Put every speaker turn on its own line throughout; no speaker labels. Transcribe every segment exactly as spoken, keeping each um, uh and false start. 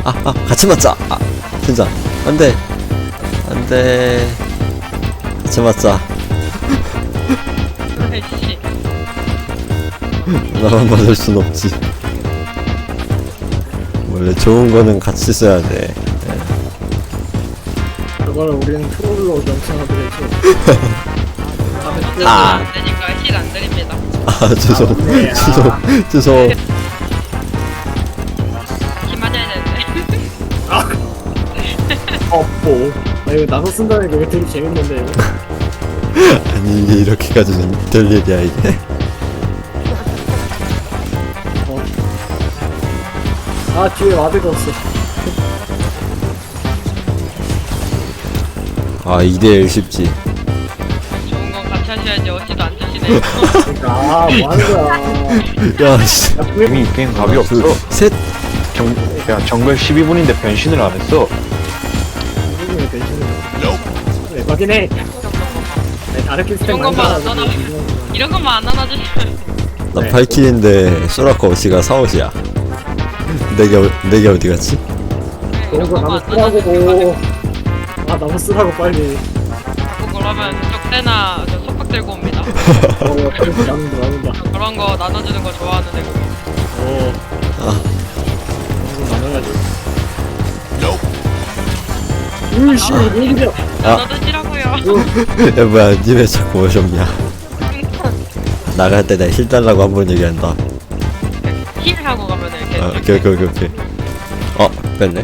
아, 아, 같이 맞자. 아, 진짜. 안 돼. 안 돼. 같이 맞자.
아이씨.
나만 맞을 순 없지. 원래 좋은 거는 같이 써야 돼.
그걸 우리는 트롤로 명칭하기로 했죠.
아.
안 되니까 힐 안 드립니다.
아, 죄송.
아, 네.
죄송. 죄송.
힘 많이 해야 되는데.
어, 뭐. 나 이거 나서 쓴다는 게 되게 재밌는데. 이거.
아니, 이게 이렇게까지는 될 일이야, 이게.
어. 아, 뒤에 와드가 없어.
아, 이 대 일 쉽지.
좋은 건 같이 하셔야지. 어시도 안 주시네.
그러니까, 아, 뭐 하는 거야.
야, 씨.
야, 분명히
게임이 게임 답이 없어.
둘, 셋.
정, 야 정글 십이 분인데 변신을 안 했어.
분명히 변신을. 네, 맞긴 해. 네, 다른 키스템
이런 것만 안 나눠. 이런 것만 안 나눠주시면.
나
네.
발키인데 소라카 어시가 사옷이야. 내게 내게 어디 갔지?
그런 거 나무
이런 것만 안 나눠주시면.
쓰라고. 아, 나무 쓰라고 빨리.
자꾸 그러면 쪽대나 저 속박 들고 옵니다.
어, 그래서 나눈다, 나눈다.
그런 거 나눠주는 거 좋아하는 애고.
어.
아,
그런 거 나눠야지. 으이씨, 왜 이래.
아.
나눠주시라고요.
야 뭐야, 니 왜 자꾸 오셨냐? 나갈 때 내가 힐 달라고 한 번 얘기한다.
힐 하고 가면 이렇게.
아, 오케이 오케이 오케이 오케이. 어, 뺐네.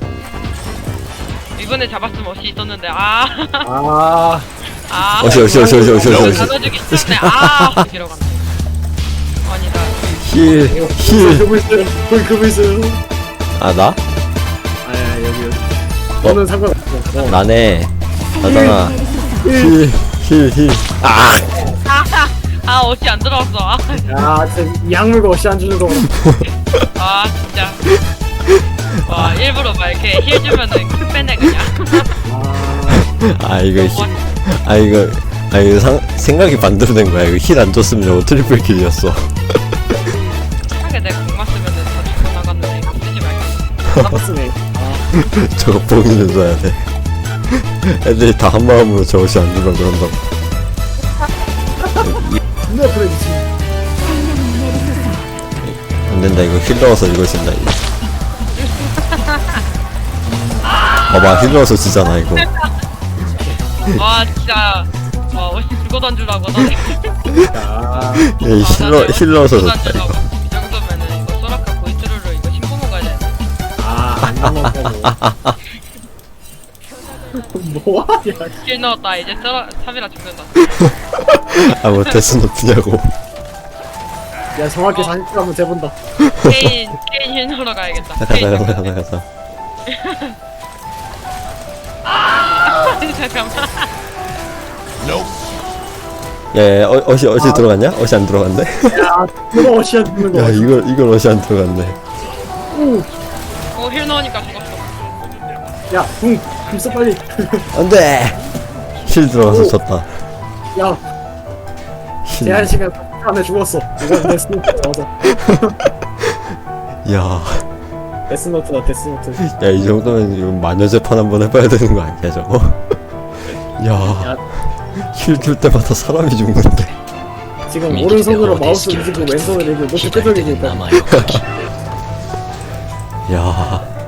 이번에 잡았으면 어시 있었는데 아.
아,
아.
어시 어시 어시 어시 어시 어시.
나눠주기 있었네. 아. 이러고 갔네. 아니다.
힐 힐.
그거 있어요. 거기 그거 있어요.
아 나?
아, 여기, 여기. 너는 상관없어. 어.
나네. 나잖아. 힐 힐 힐. 아.
아, 아 어시 안 들어왔어. 아,
야, 진짜 이 약물고 어시 안 주는 거.
아 진짜. 와 일부러 막 이렇게 힐 주면은 크 빼네 그냥.
아,
아 이거 힐. 아 이거 아 이거 상, 생각이 반대로 된 거야. 이거 힐 안 줬으면 저거 트리플 킬이었어.
하게 내가 공 맞으면은 다 죽어 나갔는데 이거 쓰지 말까.
나빴으네. 아,
저거 봉인을 줘야 돼. 애들이 다 한 마음으로 저것이 안 주면 그런다고.
존나 프레이지.
안 된다, 이거 힐 넣어서 이거 진다, 이거. 봐봐, 힐 넣어서 지잖아, 이거.
와 진짜. 와 어시 죽어 던주라고 너네.
야,
이 힐, 넣, 힐 넣어서
죽어
졌다,
던주라고.
이거.
이 정도면은 이거 소라카 보이트루로 이거 신고 먹어야 돼.
아, 안 넘어가고. 뭐하냐.
힐 넣었다 이제 소라 삼이라 죽는다.
아, 뭐, 데스노트냐고.
야, 정확히 사십 분 한번 재본다.
케인 케인 힐 넣으러 가야겠다.
가자,
케인
가자,
죽는다.
가자, 가자.
잠깐만.
야, 야, 어, 어시, 어시 들어갔냐? 어시 안 들어갔네?
야, 누가 어시 안 주는 거.
야, 이걸, 이걸 어시 안 들어갔네.
오,
어힐 넣으니까 죽었어.
야, 붕, 금써 빨리.
안 돼! 힐 들어가서
오.
졌다.
야,
힐.
제한 시간 안에 죽었어. 이건 데스노트 맞아.
야,
데스노트다, 데스노트.
야, 이 정도면 이거 마녀 재판 한번 해봐야 되는 거 아니야, 저거? 야,
야,
힐 줄 때마다 사람이 죽는데.
지금 오른손으로 마우스 움직이고 왼손으로 이거 노트 끄덕이고 있다.
야.